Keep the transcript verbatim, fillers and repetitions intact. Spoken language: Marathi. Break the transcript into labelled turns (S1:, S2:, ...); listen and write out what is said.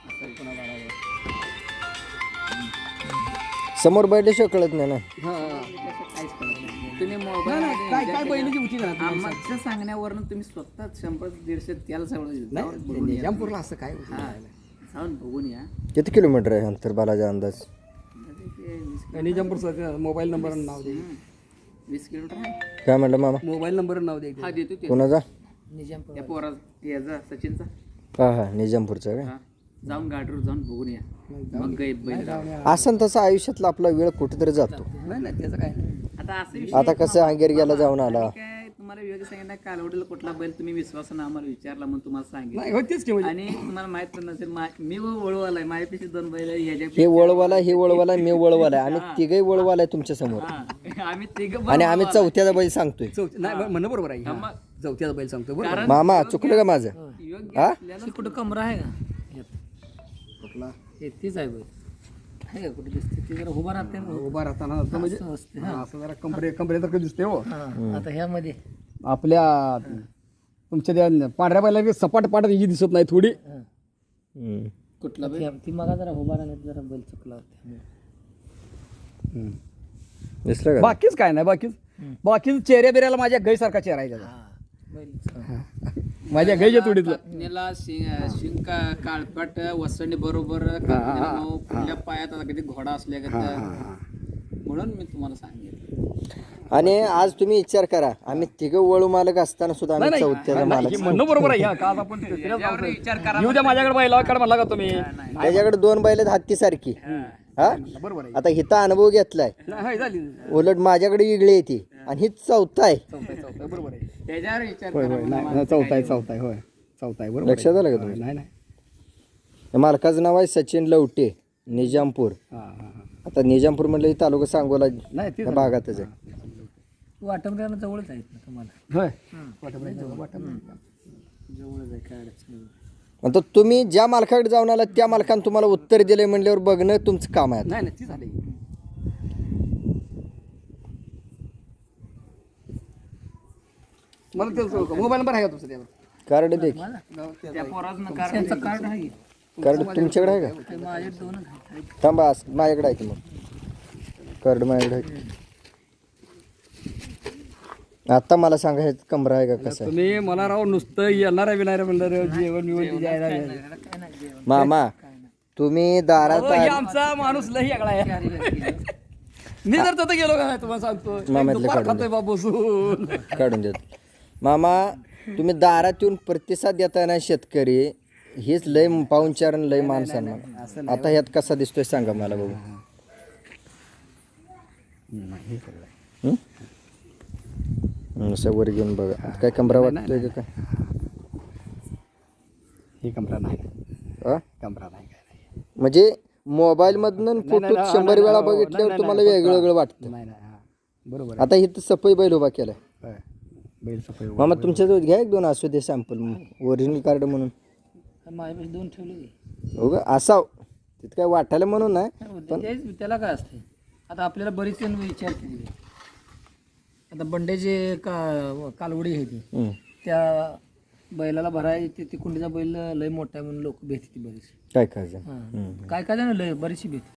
S1: समोर बैठल्याशिवाय कळत नाही ना.
S2: काहीच कळत नाही. तुम्ही मोबाईल
S3: काय काय बैलाची होती ना
S2: आमच्या सांगण्यावरून तुम्ही स्वतः शंभर दीडशे त्याला सगळं
S3: निजामपूरला असं काय होतं?
S2: जाऊन बघून या.
S1: किती किलोमीटर आहे अंतर बालाजा अंदाज?
S3: निजामपूरचा मोबाईल नंबर नाव दे.
S2: वीस किलोमीटर आहे.
S1: काय म्हटलं मामा?
S3: मोबाईल नंबर नाव दे.
S2: हा देतो ते
S1: कोणाचा?
S2: त्या पोरा याचा सचिनचा.
S1: हा हा निजामपूरचा काय?
S2: हा जाऊन गाडीवर जाऊन बघून या. मग काही बैल
S1: असं तसं आयुष्यातला आपला वेळ कुठेतरी जातो.
S3: नाही नाही त्याचं काय नाही.
S2: आता असं विषय
S1: आता कसं अंगेरग्याला जाऊन आला.
S2: काय तुम्हाला वेगळं सांगितलं कालवडीला कुठला बैल तुम्ही विश्वासानं आम्हाला विचारला म्हणून तुम्हाला सांगितलं
S3: नाही होतीच की म्हणजे.
S2: आणि तुम्हाला माहित पण नसेल मा- मी वळवालाय माझ्यापेक्षा दोन बैल आहे, ह्याच्या
S1: हे वळवाला हे वळवाला मी वळवाला आम्ही तिघही वळवाला आहे तुमच्या समोर.
S2: हा, आम्ही तिघ
S1: आणि आम्ही चौथ्याचा बैल सांगतोय.
S3: चौथी नाही म्हणणं बरोबर आहे. हा. चौथ्याचा बैल सांगतो बरोबर.
S1: मामा चुकलं का माझं?
S2: योग्य
S1: हा
S2: असल्याला कुठं कमरा आहे का
S3: कुठला
S2: हे तीच आहे बैल आहे का कुठे दिसते ती जरा उभा राहते ना.
S3: उभा राहताना असं म्हणजे
S2: असते
S3: हा, असं जरा कंबरे कंबरेसारखं दिसते हो.
S2: आता ह्यामध्ये
S3: आपल्या तुमच्या त्या पांढऱ्या बैला सपाट पाटात ही दिसत नाही थोडी.
S1: हम्म.
S2: कुठला बैल ती मगा जरा उभा राहण्यात जरा बैल चुकला होता.
S1: दिसलं का?
S3: बाकीच काय नाही. बाकीच बाकीच चेहऱ्या बिऱ्याला माझ्या गैसारखा चेहरा आहे त्याचा. माझ्या गैच्या तुडीतलं
S2: कापणीला शिंका काळपाट वसणी बरोबर कापणीला मऊ, पुढल्या पायात आता कधी घोडा असल्या म्हणून मी तुम्हाला सांगितलं.
S1: आणि आज तुम्ही विचार करा आम्ही तिघं वळू मालक असताना सुद्धा आम्ही चौथ्याचा मालक.
S3: हे म्हणणं बरोबर आहे. ह्या का आज आपण
S2: त्याच्यावर विचार करा.
S3: येऊ द्या माझ्याकडे बैला काढ म्हणला का तुम्ही.
S1: त्याच्याकडे दोन बैल आहेत हत्ती सारखी. हा
S3: बरोबर आहे.
S1: आता हिचा अनुभव घेतलाय.
S3: नाही झाली
S1: उलट माझ्याकडे वेगळी येते आणि ही चौथा आहे.
S3: चौथा चौथा बरोबर आहे.
S2: त्याच्यावर विचार
S3: होय
S2: करा.
S3: होय नाही चौथा आहे चौथा आहे होय चौथा आहे बरोबर.
S1: लक्षात आलं का तुम्ही?
S3: नाही नाही.
S1: या मालकाचं नाव आहे सचिन लवटे निजामपूर.
S3: हा हा हा
S1: आता निजामपूर म्हटलं की तालुका सांगोला
S3: नाही ते
S1: या भागातच आहे.
S2: वाटमऱ्याला जवळच आहेत ना तुम्हाला.
S3: होय वाटप वाटप
S2: जवळच आहे काय अडचण नाही.
S1: आता तुम्ही ज्या मालकाकडे जाऊन आला त्या मालकानं तुम्हाला उत्तर दिले म्हणल्यावर बघणं तुमचं काम आहे.
S3: नाही नाही ती झाली. मला ते मोबाईल नंबर आहे का तुमचा त्यावर?
S1: कार्ड दे की.
S2: त्या पोराचं कार्ड कार्ड आहे
S1: कार्ड तुमच्याकडे आहे का?
S2: ते माझे दोनच आहेत.
S1: थांबा असं माझ्याकडे आहे की मग कार्ड माझ्याकडे आहे. आता मला सांगा हे कमरा आहे का कसं आहे?
S3: तुम्ही मला राव नुसतं येणार आहे विनार म्हणणार जेवण बिवण द्यायला
S2: काय नाही जेवण.
S1: मामा तुम्ही दारात
S3: हो, हे आमचा माणूस लई आगळा आहे. मी जर तिथं गेलो का नाही तुम्हाला सांगतो
S1: मामातलं
S3: दुपार
S1: काढून
S3: खातोय बाबा बसून.
S1: काढून देत. मामा तुम्ही दारात येऊन प्रतिसाद देताना शेतकरी हेच लय पाहुणचार आणि लय माणसांना. आता ह्यात कसा दिसतोय सांगा मला बघू. हं? हं, असं वर घेऊन बघा. आता काय कमरा वाटतोय का काय?
S3: हे कमरा नाही
S1: हा?
S3: कमरा नाही काय नाही.
S1: म्हणजे मोबाईल मधनं फोटो शंभर वेळा बघितल्यावर तुम्हाला वेगळं वेगळं वाटतं.
S3: नाही नाही हा बरोबर
S1: आता इथं सफाई बैल उभा केलाय.
S3: आहे. बैल सफाई
S1: मामा तुमच्याजवळ घ्या एक दोन असू दे सॅम्पल ओरिजिनल कार्ड म्हणून.
S2: माझ्यापाशी दोन ठेवले.
S1: हो का असाव तिथं काय वाटायला म्हणून नाही.
S2: तेच त्याला काय असते आता आपल्याला बरीच जण विचारते. आता बंड्याचे का कालवडी आहे ती
S1: हं.
S2: त्या बैलाला भराय ते ती कुंडीचा बैल लय मोठा आहे म्हणून लोक भेटते बरीच.
S1: काय करायचं?
S2: काय काय जण लय बरीचशी भेट